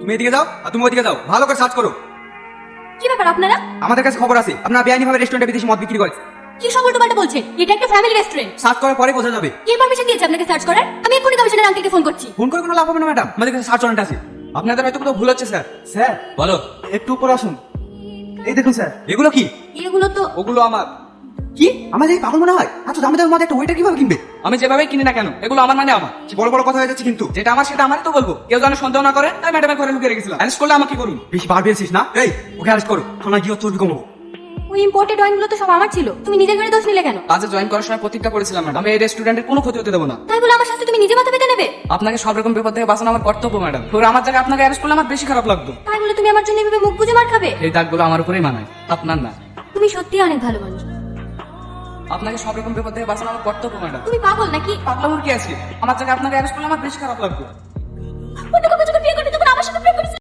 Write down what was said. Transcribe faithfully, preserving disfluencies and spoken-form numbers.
তুমি এদিকে যাও আর তুমি ওইদিকে যাও, ভালো করে সার্চ করো। কি ব্যাপার আপনারা? আমাদের কাছে খবর আছে আপনারা বেআইনি ভাবে রেস্টুরেন্টে বিদেশি মদ বিক্রি করেছে। কি সব উল্টোপাল্টা বলছেন? এটা একটা ফ্যামিলি রেস্টুরেন্ট। সার্চ করার পরে বোঝা যাবে। কে পারমিশন দিয়েছে আপনাকে সার্চ করার? আমি এক্ষুনি কমিশনার আঙ্কেলকে ফোন করছি। ফোন করে কোনো লাভ হবে না ম্যাডাম, আমাদের কাছে সার্চ ওয়ারেন্ট আছে। আপনাদের হয়তো কোথাও ভুল হচ্ছে স্যার। স্যার বলো। একটু উপর আসুন। এই দেখুন স্যার, এগুলো কি? এগুলো তো ওগুলো আমার। কি আমাদের এই পাগল মনে হয়? আচ্ছা দামি দামি মদ একটা ওইটা কিভাবে কিনবে? আমি যেভাবে কিনি না কেন, এগুলো আমার মানে আমার। কি বড় বড় কথা হয়ে যাচ্ছে কিন্তু। যেটা আমার সেটা আমারই তো বলবো, কেউ যেন সন্দেহ না করে। তাই ম্যাডামের ঘরে লুকিয়ে রেখেছিলাম। অ্যারেস্ট করলে আমাকে কি করুন? বেশি বার বেরছিস না। এই ওকে অ্যারেস্ট করো, থানায় গিয়ে চর্বি কমাবো। ওই ইম্পোর্টেড ওয়াইনগুলো তো সব আমার ছিল। তুমি নিজের ঘরে দোষ নিলে কেন? কাজে জয়েন করার সময় প্রতিজ্ঞা করেছিলাম ম্যাডাম, আমি এই রেস্টুরেন্টের কোনো ক্ষতি হতে দেবো না। তাই বলে আমার শাস্তি তুমি নিজে মাথা পেতে নেবে? আপনাকে সব রকম বিপদ থেকে বাঁচানো আমার কর্তব্য ম্যাডাম। পুরো আমার জায়গায় আপনাকে অ্যারেস্ট করলে আমার বেশি খারাপ লাগতো। তাই বলে তুমি আমার জন্য এভাবে মুখ বুজে মার খাবে? এই দাগগুলো আমার উপরেই মানায়, আপনার না। তুমি সত্যি অনেক ভালো মানুষ। আপনাকে সব রকম বিপদ থেকে বাঁচানো আমার কর্তব্য ম্যাডাম। তুমি পাগল নাকি? পাগলামোর কি আছে? আমার জায়গায় আপনাকে অ্যারেস্ট করলে আমার বেশি খারাপ লাগতো। অন্য কাউকে